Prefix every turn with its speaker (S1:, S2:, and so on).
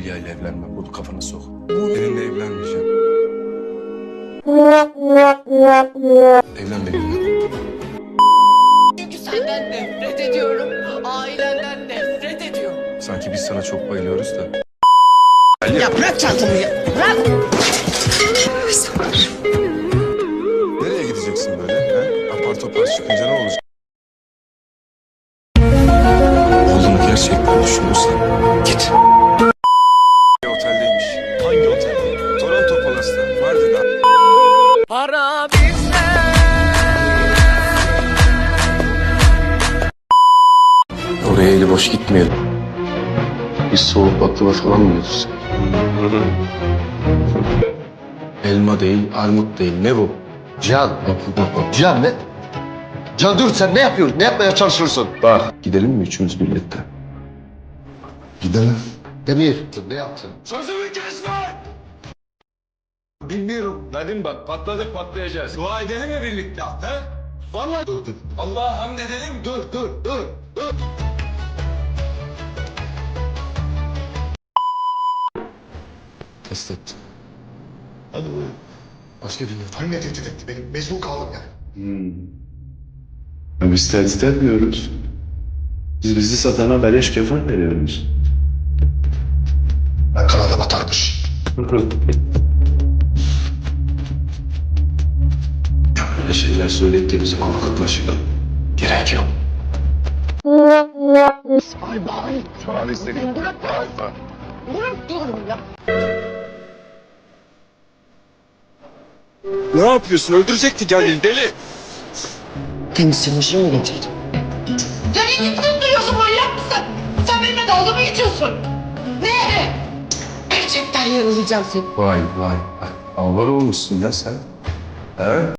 S1: Hülya ile evlenmem. Bunu kafana sok. Seninle evlenmeyeceğim. Evlen benimle.
S2: Çünkü senden nefret ediyorum. Ailenden nefret ediyorum.
S1: Sanki biz sana çok bayılıyoruz da.
S2: Ya bırak çantamı ya. Bırak.
S1: Nereye gideceksin böyle? He? Apar topar çıkınca ne olacak? Oğlunu gerçekten düşünürsen git. Oteldeymiş. Hangi otel? Toronto Palace'ta. Vardı da.
S2: Para bizde.
S1: Oraya eli boş gitmeyelim. Biz soğuk baklava falan mı yiyoruz? Elma değil, armut değil. Ne bu?
S3: Cihan. Cihan ne? Cihan dur, sen ne yapıyorsun? Ne yapmaya çalışıyorsun?
S1: Bak. Gidelim mi üçümüz birlikte?
S3: Gidelim. Demir. Ne yaptın?
S1: Sözümü kesme! Bilmiyorum. Nadim bak patladık patlayacağız. Dua edelim mi birlikte? He? Vallahi
S3: Dur.
S1: Allah'a hamd edelim.
S3: Dur.
S1: Test ettim.
S3: Hadi buyurun.
S1: Başka bir
S3: Hani ne tehdit etti? Benim mecbur kaldım yani.
S4: Biz tehdit etmiyoruz. Biz bizi satana beleş kefen veriyoruz.
S3: Ben kanada batarmış.
S1: Öyle şeyler söylediğimiz zaman kıtlaşık. Gerek yok.
S3: Şu an istediğim.
S2: Bırak diyorum ya.
S1: Ne yapıyorsun? Öldürecekti kendini deli.
S2: Temizlemişim mi getirdin? Sen ne gittin duruyorsun, manyak mısın? Sen benimle dalga mı geçiyorsun? Ne? Gerçekten yaralayacağım seni.
S1: Vay. Allah olmuşsun ya sen. He?